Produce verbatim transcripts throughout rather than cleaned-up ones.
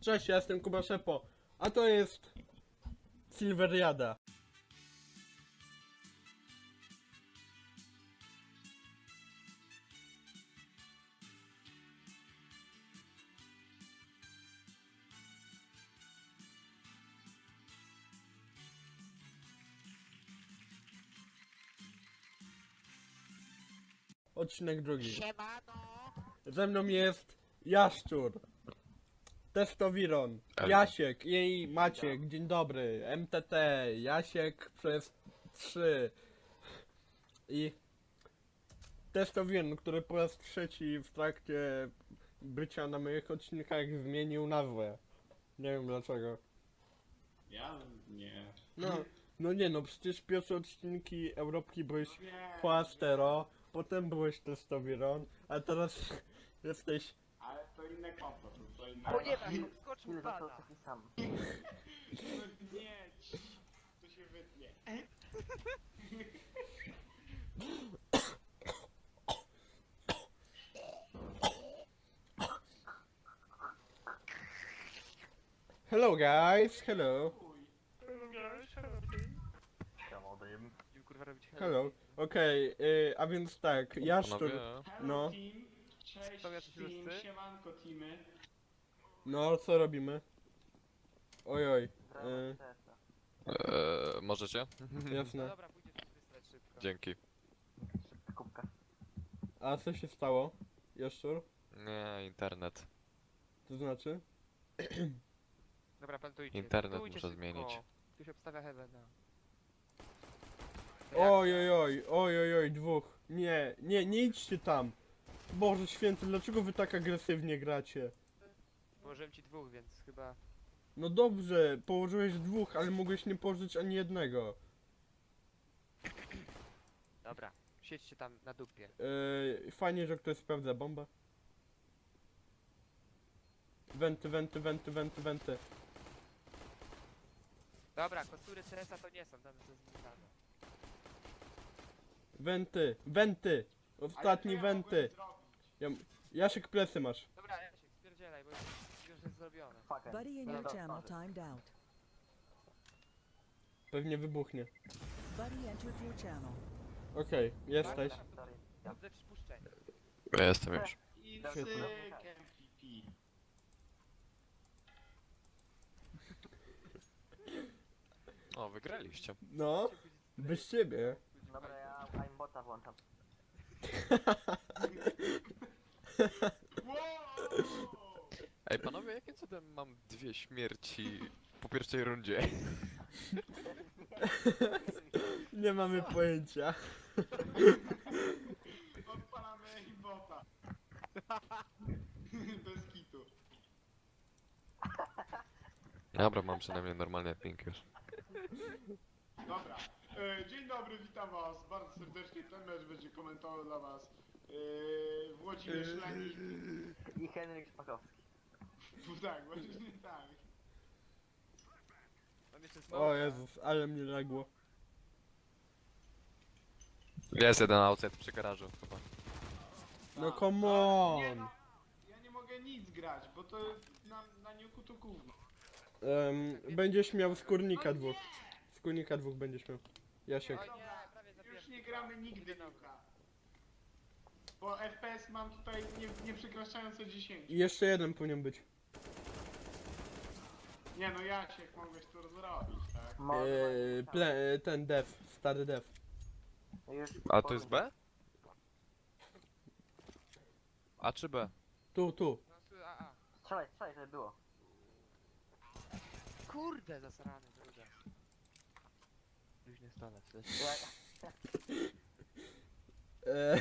Cześć, ja jestem Kuba Szepo, a to jest Silveriada. Odcinek drugi. Siemano! Ze mną jest Jaszczur, Testowiron, Ale- Jasiek i Maciek, dzień dobry, M T T, Jasiek przez trzy i Testowiron, który po raz trzeci w trakcie bycia na moich odcinkach zmienił nazwę. Nie wiem dlaczego. Ja nie. No, no nie no, przecież pierwsze odcinki Europki byłeś Nie. Płastero, potem byłeś Testowiron, a teraz jesteś... Ale to inne konto, to, to inne O nie, tak, konto. skoczył Ile został pana! taki sam? No nie, ci, to się wytnie. Hello guys, hello, Chciałbym. Będziemy kurwa robić hello. Okej, y, a więc tak, Jaszczur, Panowie, Hello No. team, cześć Są jacyś team, ruscy? siemanko teamy. no co robimy? Ojoj, y, eee, możecie? No jasne. dobra, pójdziesz wysrać szybko. Dzięki. Kubka. A co się stało, Jaszczur? Nie, internet. To znaczy? Dobra, plantujcie. Internet plantujcie muszę szybko. zmienić. Tu się obstawia heavena. Oj, oj, oj, oj, oj, oj, dwóch. Nie, nie, nie idźcie tam. Boże święty, dlaczego wy tak agresywnie gracie? Położyłem ci dwóch, więc chyba... No dobrze, położyłeś dwóch, ale mogłeś nie położyć ani jednego. Dobra, siedźcie tam na dupie. Yy, fajnie, że ktoś sprawdza bombę. Wenty, wenty, wenty, wenty, wenty. Dobra, kostury C S a to nie są, tam jest zbudowane. Wenty, wenty! Ostatni Ale co ja wenty! mogłem zrobić? Ja, Jasiek, plecy masz. Dobra, Jasiek, spierdzielaj, bo już, już jest zrobione. Fucking. Buddy in No your dobra, channel sorry. timed out. Pewnie wybuchnie. Buddy entered your channel. Okej, jesteś. Sorry. Ja. Dobrze przypuszczenie. Ja jestem już. I Świetnie. syk M V P. O, wygraliście. No, bez ciebie. Dobra, ja aimbota włączam. Wow! Ej, panowie, jakim cudem mam dwie śmierci po pierwszej rundzie? Nie mamy pojęcia. Odpalamy aimbota. Bez kitu. Dobra, mam przynajmniej normalny ping już. Dobra. E, dzień dobry, witam was bardzo serdecznie. Ten mecz będzie komentował dla was e, Włodzimierz Lenik. I Henryk Szpakowski. Tak, właśnie tak. Mam jeszcze smoka. O Jezus, ale mnie lagło. Jest jeden outside przy garażu chyba. No Tak. come Nie on! no, ja nie mogę nic grać, bo to na, na niuku to gówno. Um, będziesz miał skórnika dwóch. Skórnika dwóch będziesz miał. Jasiek. Oj nie, prawie zabiłem. Już nie gramy nigdy niuka. Bo F P S mam tutaj nie, nie przekraczające dziesięć. I jeszcze jeden powinien być. Nie no Jasiek, mogłeś to zrobić, tak? Może Eee, ma- ple, e, ten dev, stary dev. Już A to jest B? A czy B? Tu, tu. No, tu, a, a. Strzelaj, strzelaj, żeby było. Kurde, zasrany druga. Luźny stolet, to jest... Ja, Eee,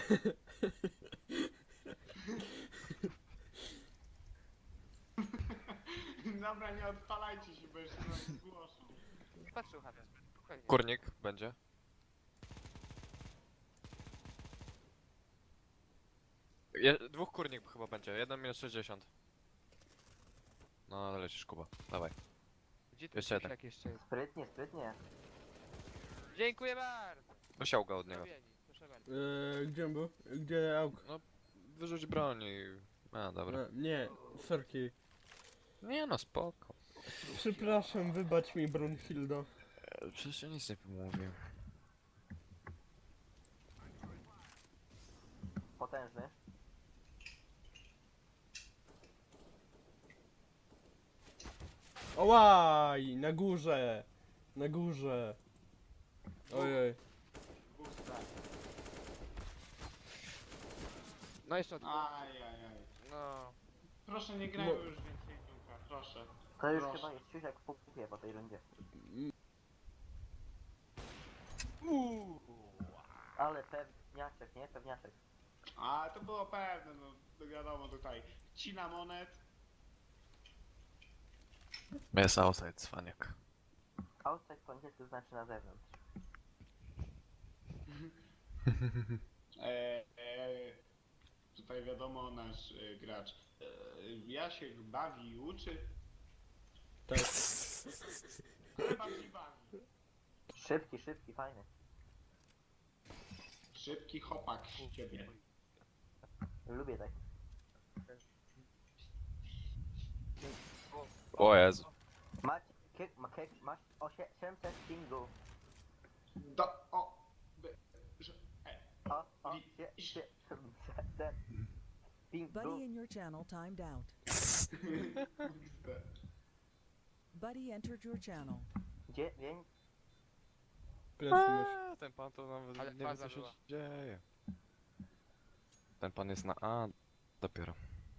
Dobra, nie odpalajcie się, bo jeszcze nas zgłoszą. Patrzył Hawian, spokojnie. Kurnik będzie. Je, dwóch kurnik chyba będzie, jeden minus sześćdziesiąt. No, lecisz Kuba, dawaj. Gdzie tu Jeszcze jeden. jak jeszcze jest? sprytnie, sprytnie. Dziękuję bardzo! Musiał go od niego. Zrobieni, proszę bardzo. eee, gdzie on był? Gdzie auk? No, wyrzuć broń i... A, dobra. E, nie, sorki. Nie no, spoko. Przepraszam, wybacz mi, Brunhildo. E, Przecież ja nic nie mówię. Potężny. Ołaj, na górze. Na górze. Ojej. Dwóch strat. No jeszcze od... Ajajaj. No. Proszę, nie grajmy No. już więcej piłka, proszę. To już Proszę. chyba jest siusiak w pupie po tej rundzie. Ale pewniaczek, nie? Pewniaczek. A to było pewne, no to wiadomo tutaj. Cina monet. Jest outside, cwaniak. Outside po angielsku znaczy na zewnątrz. E, e, tutaj wiadomo nasz e, gracz. E, Jasiek bawi i uczy. Tak. Ale bardziej bawi. Szybki, szybki, fajny. Szybki chopak z ciebie. Lubię tak. O Jezu. Mać, kiek, ma, kiek, masz osiemset pingu. Do, o, by, że, e, O, o, Wi- sie, sie, siedemset pingu. Buddy in your channel timed out. Buddy entered your channel. Dziewięć. Plecy mysz. Eee, ten pan to nawet Ale nie wie faza co się była. dzieje. Ten pan jest na A dopiero.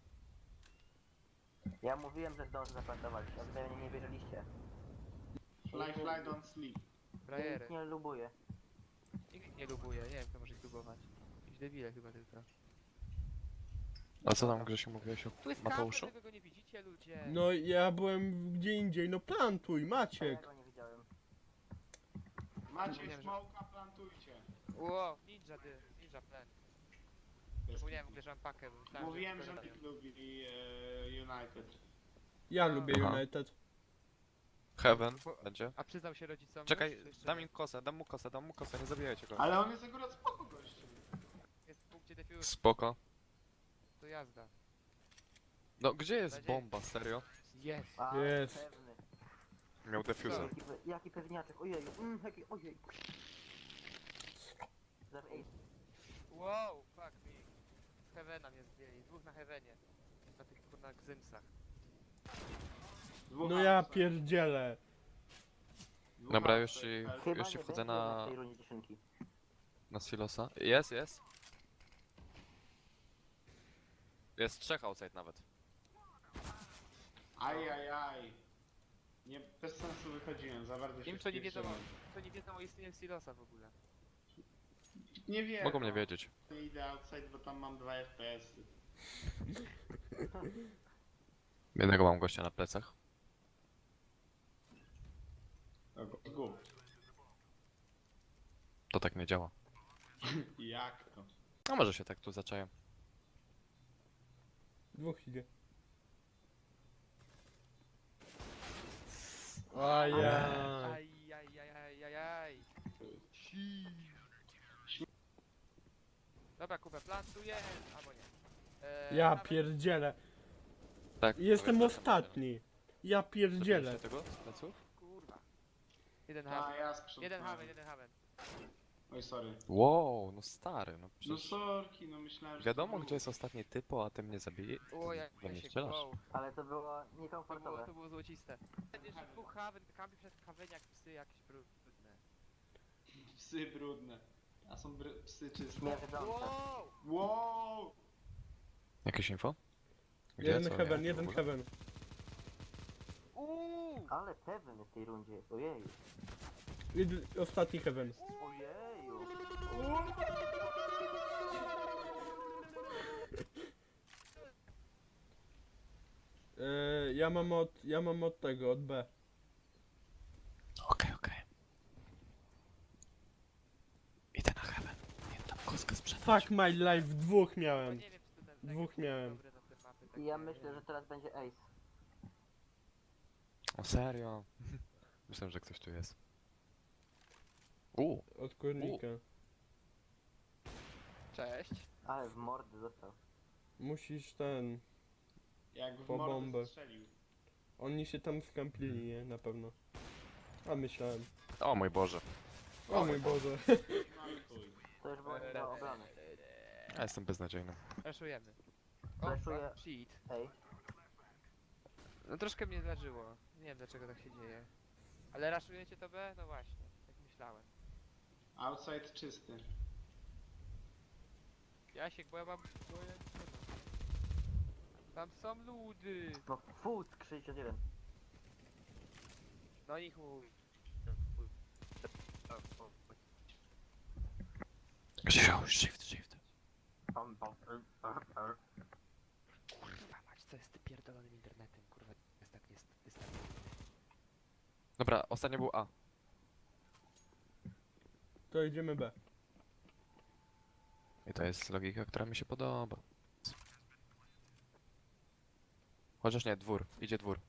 Ja mówiłem, że zdążę zaplantować, a wy mnie nie wierzyliście. Fly, fly, don't sleep. Ja Frajery. ich nie lubuję. Nikt nie lubuje, nie wiem kto może ich lubować. Jakieś debile chyba tylko. A co tam Grzesiu mówiłeś o Tu jest kamper, Mateuszu? tego go nie widzicie ludzie. No ja byłem gdzie indziej, no plantuj, A ja Maciek. go nie widziałem. Macie Mówiłem, że- smoka, plantujcie. Ło, ninja dy, ninja plan. Zapomniałem w ogóle, że mam pakę. bo myślałem, Mówiłem, to że robią. nikt lubi e, United. Ja lubię Aha. United. Heaven będzie. A przyznał się rodzicom? Czekaj, już, czy jeszcze dam nie? im kosę, dam mu kosę, dam mu kosę, nie zabijajcie go. Ale on jest akurat spoko gościem. Jest w punkcie defuse, Spoko. to jazda. No gdzie jest Nadzieję. bomba, serio? Jest. A, Jest. pewny. Miał defuser. Jaki, pe- jaki pewniaczek, ojeju, mm, jaki, ojej. Zero eight. Wow, fuck me. Z Heavena mnie zdjęli, dwóch na Heavenie. Na tych kurna gzymsach. Dwóch No ja outside. pierdzielę. Dwóch Dobra, outside. już ci, Chyba już ci nie wchodzę będzie jednak na, w tej rundzie dziesiątki. na silosa. Jest, jest. Jest trzech outside nawet. Aj, aj, aj. Nie, bez sensu wychodziłem, za bardzo się Im co nie wiedzą, wpierdzyłem. co nie wiedzą o istnieniu silosa w ogóle. Nie wiem. Mogą mnie wiedzieć. Nie idę outside, bo tam mam dwa F P S-y. Jednego mam gościa na plecach. Gub. To tak nie działa. Jak to? No może się tak tu zaczaję. Dwóch idzie. Ajaj. Aj, aj, aj, aj, aj, aj. Dobra, kupę plantuję, albo nie. Eee, Ja nawet- pierdzielę. Tak. Jestem powiedz, że tam ostatni. Ja będzie. pierdzielę. Zabijecie tego z pleców? Kurwa. Jeden A, haven. ja sprzątałem. Jeden haven, jeden haven. Oj, sorry. Wow, no stary, no No przecież... sorki, no myślałem, że Wiadomo to gdzie był. jest ostatni typo, a ty mnie zabije. O, ja, we mnie się strzelasz. wow. Ale to było To było, niekomfortowe. to było złociste. Będzie jeszcze dwóch haven, kampi przed haven jak psy jakieś brudne. Psy brudne. A są br- psy czyste. Śmierdzące. Wow! Wow! Jakieś info? Gdzie? Jeden Co? heaven, Nie, jeden w ogóle. heaven. Uuu! Ale pewny w tej rundzie jest, ojeju. Jed- Ostatni heaven. Ojeju. Eee, ja mam od, ja mam od tego, od B. Okej, okej. Idę na heaven. Nie tam kostkę sprzedać. Fuck my life, dwóch No miałem. nie wiem czy to ten Dwóch tego, miałem. dobre na te mapy, I takie, ja nie myślę, wiem. że teraz będzie ace. O serio? Myślałem, że ktoś tu jest. U, Od kurnika. Cześć. Ale w mordy dostał. Musisz ten. Jak w Po mordę bombę. strzelił. Oni się tam skamplili, nie? Na pewno. A myślałem. O mój Boże. O mój Boże. Mamy tuj. To już było nie do obrony. Ja jestem beznadziejny. Raszujemy. O, Flashuję. fuck, shit. Ej, No troszkę mnie zdarzyło. Nie wiem dlaczego tak się dzieje. Ale raszujecie to B? No właśnie, jak myślałem. Outside czysty. Jasiek, bo ja mam... Bo ja... Tam są ludy! no food sześćdziesiąt jeden. No i chuj. Grzesiu, shift, shift. Pam, pam, er, er, er. Kurwa mać, co jest ty pierdolonym internetem? Kurwa, jest tak, jest, jest tak. Dobra, ostatnio był A. To idziemy B. I to jest logika, która mi się podoba. Chociaż nie, dwór. Idzie dwór.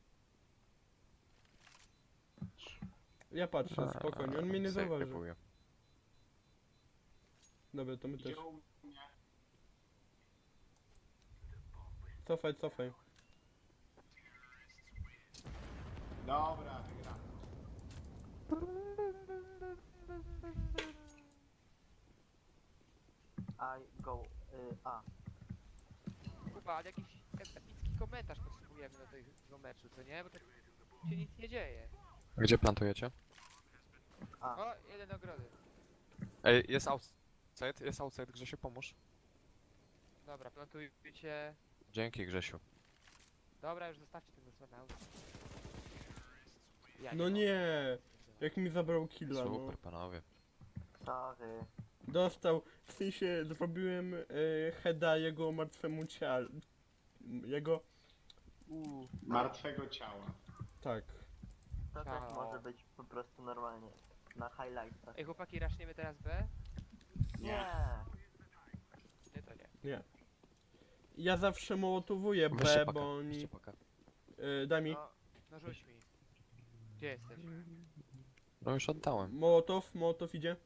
Ja patrzę, spokojnie, on mnie nie sobie zauważy. kupuję. Dobra, to my też. Idzie u mnie. Cofaj, cofaj. Dobra, wygramy. I go, y, A. Kurwa, ale jakiś ep- epicki komentarz potrzebujemy do tego meczu, co nie? Bo tak się nic nie dzieje. Gdzie plantujecie? A. O, jeden ogrody. Ej, jest outside, jest outside, Grzesiu, pomóż. Dobra, plantujcie. Dzięki, Grzesiu. Dobra, już zostawcie ten zasłonę. Ja No mogę. nie! Jak mi zabrał killa, no. Super, panowie. Sorry. Dostał, w sensie zrobiłem e, heada jego martwemu ciału. Jego... Uuu, Martwego ciała. Tak. To też Ciao. może być po prostu normalnie. Na highlightach. ej chłopaki, raszniemy teraz B? Nie. Nie, to nie. Nie. Ja zawsze mołotowuję B, Weźcie pakę, bo oni... weźcie pakę. E, daj mi. No, no rzuć mi. Gdzie jesteś? No już oddałem. Mołotow, mołotow idzie.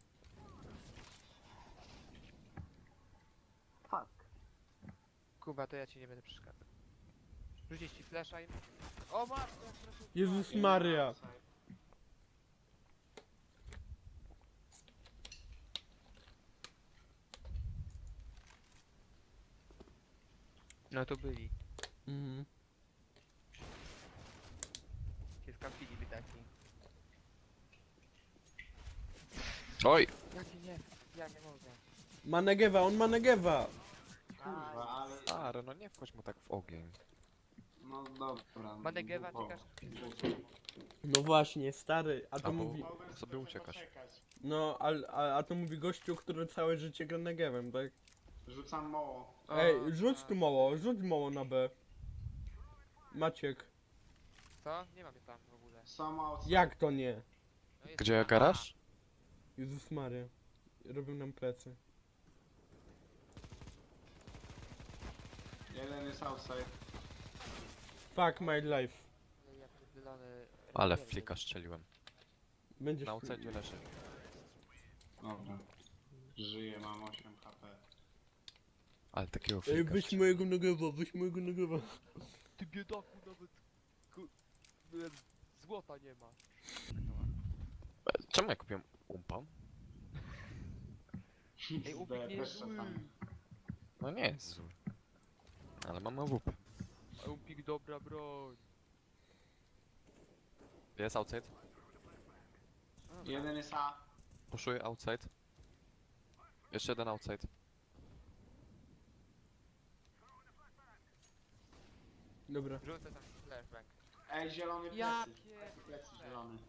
Fuck. Kuba, to ja ci nie będę przeszkadzał. Rzucić ci flesza i... O matko, proszę. Jezus Maria. Outside. No to byli. Mhm. Się skampili by taki. Oj! Ja nie, nie, ja nie mogę. Ma Negewa, on ma Negewa! Kurwa, ale... Stary, no nie wchodź mu tak w ogień. No dobra. Manegewa, dupowo. czekasz? No właśnie, stary, a to Albo- mówi... Mogłem sobie trochę uciekasz. poczekać. No, a, a, a to mówi gościu, który całe życie gra Negewem, tak? Rzucam moło. Ej, rzuć tu moło, rzuć moło na B. Maciek. Co? Nie mamy tam w ogóle. Są outside. Jak to nie? No jest Gdzie tam. garaż? Jezus Maria. Robią nam plecy. Jeden jest outside. Fuck my life. Ale ja pierdolony... Ale rozpierdol. flika strzeliłem. Będziesz... Na outside leży. Dobra. Żyję, mam osiem H P. Ale takiego Ej, flika weź strzeliłem. mojego Negewa, weź mojego Negewa. Ty biedaku nawet... ku- e, Złota nie ma. Czemu ja kupiłem umpa? Ej, ubik nie jest Też zły. czasami. No nie jest zły. Ale mam A W P. Ubik dobra broń. Jest outside. Jeden jest A. Puszuję outside. Jeszcze jeden outside. Dobra. Rzucę tam flashbang. Ej, zielony Ja plecy. pier- Taki plecy zielony.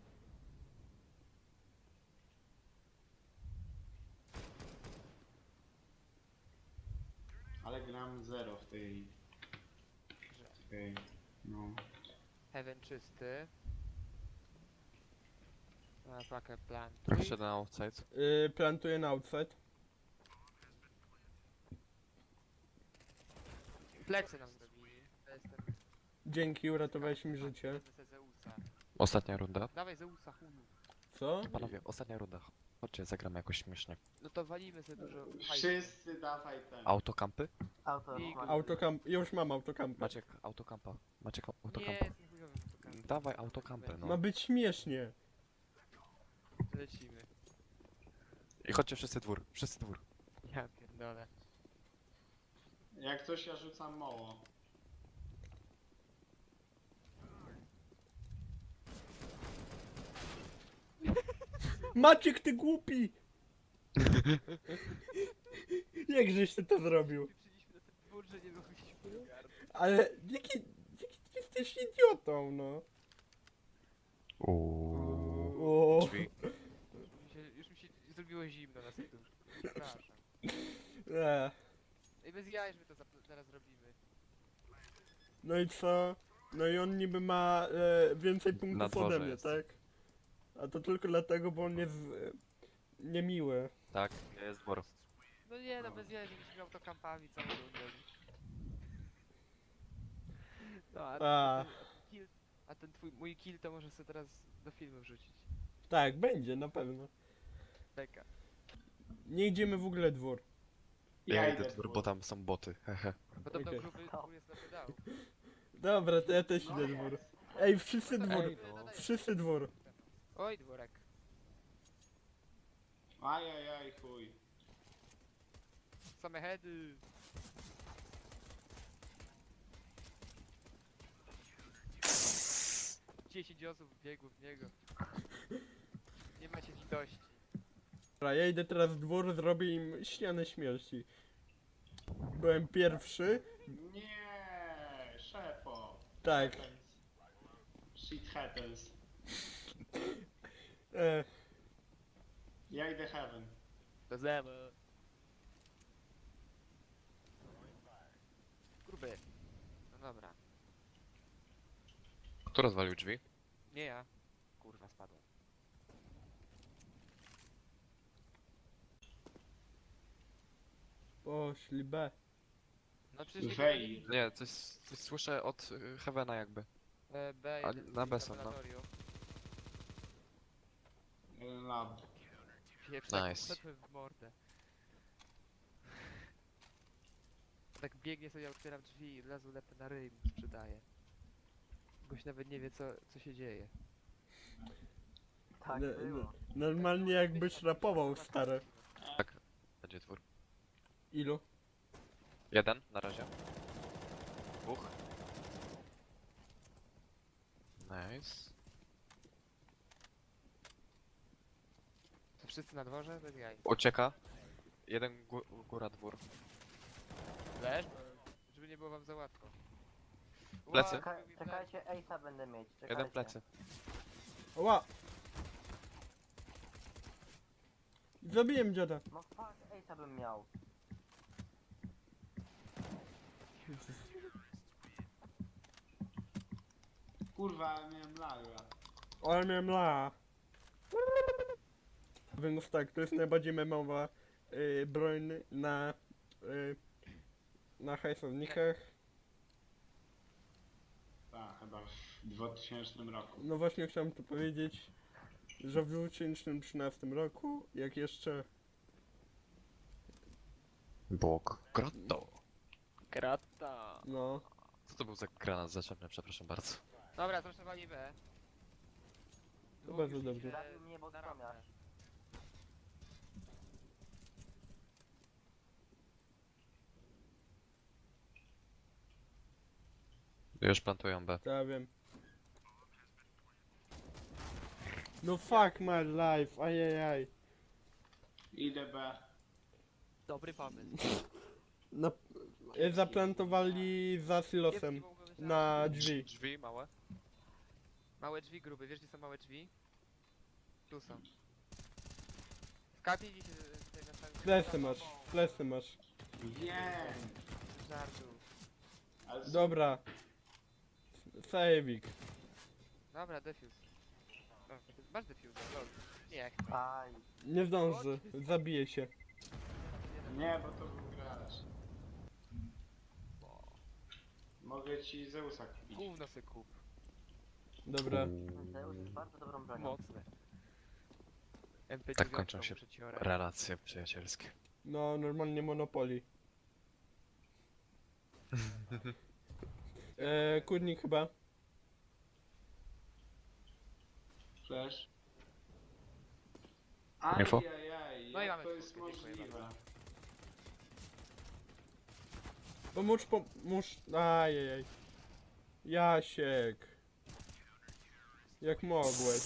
Ale gram zero w tej... w tej... no... Heaven czysty. Na pakę plan. Jeszcze jeden outside. Yy, plantuję na outside. Plecy nam zrobili. To jest ten... Dzięki, uratowałeś mi życie. Wezmę se Zeusa. Ostatnia runda. Dawaj Zeusa, chuju. Co? Panowie, ostatnia runda. Chodźcie, zagramy jakoś śmiesznie. No to walimy sobie dużo hajsu. Wszyscy dawaj ten. Autokampy? Auto, I- masz. Autokamp, już mam autokamp. Maciek, autokampa. Maciek, Nie, autokampa. jestem chujowym autokampem. Dawaj autokampę, Ma no. być śmiesznie. Lecimy. I chodźcie wszyscy dwór, wszyscy dwór. Ja pierdolę. Jak coś ja rzucam moło. Maciek, ty głupi! Jakżeś ty to zrobił? Przyszliśmy na ten dwór, że nie mogliśmy ogarnąć. Ale jaki, jaki ty jesteś idiotą, no. Uuuu. O, Drzwi. Mi się, już mi się zrobiło zimno na serduszku. Przepraszam. e. Ej, bez jaj, że my to zap- zaraz robimy. No i co? No i on niby ma e, więcej Na punktów dworze ode mnie, jest. tak? A to tylko dlatego, bo on jest e, niemiły. Tak, jest dwór. No nie, no bez jaj, żebyśmy autokampami całą rundę. No, a, A. a, ten kill, a ten twój, mój kill to może sobie teraz do filmu wrzucić. Tak, będzie, na pewno. Beka. Nie idziemy w ogóle dwór. Ja idę dwór, bo tam są boty, hehe. Podobno Okej. gruby dwór jest na pedału. Dobra, to ja też idę dwór. Ej, wszyscy dwór. Ej, no, no, Wszyscy dwór. Oj, dworek. Ajajaj, chuj. Same heady. Dziesięć osób biegło w niego. Nie macie litości. Dobra, ja idę teraz w dwór, zrobię im ścianę śmierci. Byłem pierwszy. Nie, szefo. Tak. Happens. Shit happens. E, Ja idę heaven. Do zlewu. Gruby. No dobra. Kto rozwalił drzwi? Nie ja. Kurwa, spadłem. poszli B. No przecież nikogo Wej. nie widzę. Nie, coś, coś słyszę od y, Heavena jakby. E, B, A, jeden na w B są, no. laboratorium. Jeden lab. Pieprz, tak Nice. wszedłem w mordę. Tak biegnie sobie, otwieram drzwi i od razu lepę na ryj mu sprzedaje. Goś nawet nie wie co, co się dzieje. Tak No, było. no, normalnie jakbyś rapował, stary. Tak, będzie dwór. Ilu? Jeden na razie. Dwóch. Nice. To wszyscy na dworze? Bez jaj. Ucieka. Jeden gó góra dwór. Leż? Żeby nie było wam za łatwo. Plecy. Ła, Czeka, zrobił mi czekajcie, Ace'a będę mieć. Czekajcie. Jeden plecy. Ła! Zabiłem dziada. No fuck, Ace'a bym miał. Kurwa, miałem laga. Ale miałem la. Więc tak, to jest najbardziej memowa y, broń na y, na hajsownikach. Tak, chyba w dwutysięcznym roku. No właśnie chciałem to powiedzieć, że w dwa tysiące trzynastym roku, jak jeszcze Bóg. Grotto. Krata. no Co to był za granat zaczepny, przepraszam bardzo. Dobra, zresztą B. To bardzo dobrze. Zabił mnie Boxomiarz. Już plantują B. to ja wiem. No fuck my life, ajajaj. Idę B. Dobry pomysł. Na, y, zaplantowali za silosem Kiepski mogą być na drzwi. Drzwi małe. Małe drzwi gruby, wiesz gdzie są małe drzwi? Tu są. Skapnij się tutaj na samym... Flesy masz, flesy masz. Wiem. Żartu. Ale z- Dobra. Sajewik. Dobra, defuse. O, masz defuse, lol. Nie, jak Aj. Nie zdąży, zabije się. Nie, bo to był gracz. Mogę ci Zeusa kupić. gówno se kup. Dobra. Zeus jest bardzo dobrą bronią. Mocne. M P Tak kończą się muszę ci orać. relacje przyjacielskie. No, normalnie Monopoly. E, kurnik chyba. Flash. Info? Ajajaj, No i jak mamy to jest czwórkę, dziękuję możliwe? bardzo. Pomóż, pomóż. Ajajaj. Jasiek. Jak mogłeś.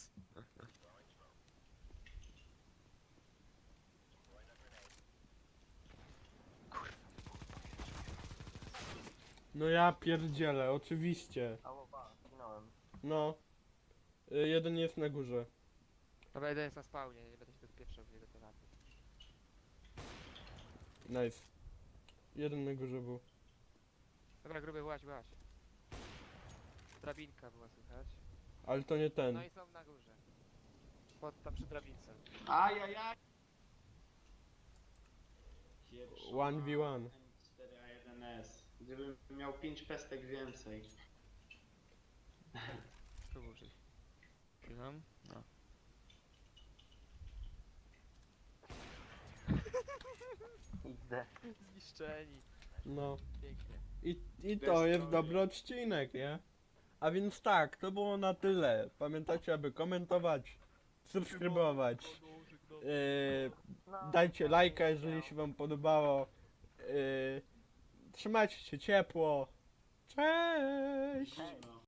No ja pierdzielę, oczywiście. Ała, zginąłem. No. Y, jeden jest na górze. Dobra, jeden jest na spawnie, nie będę się dopieprzał w jego tematy. Nice. Jeden na górze był. Dobra, gruby, właź, właź. Drabinka była słychać. Ale to nie ten. No i są na górze. Pod tam przy drabince. Ajajaj! jeden v jeden. M cztery A jeden S. Gdybym miał pięć pestek więcej. Tu użyj. Chwilę. No. Idę. Zniszczeni. No. Pięknie. I, i to jest dobry odcinek, nie? A więc tak, to było na tyle. Pamiętajcie, aby komentować, subskrybować. Yy, No, dajcie lajka, jeżeli się wam podobało. Yy, trzymajcie się ciepło. Cześć! Hej. No.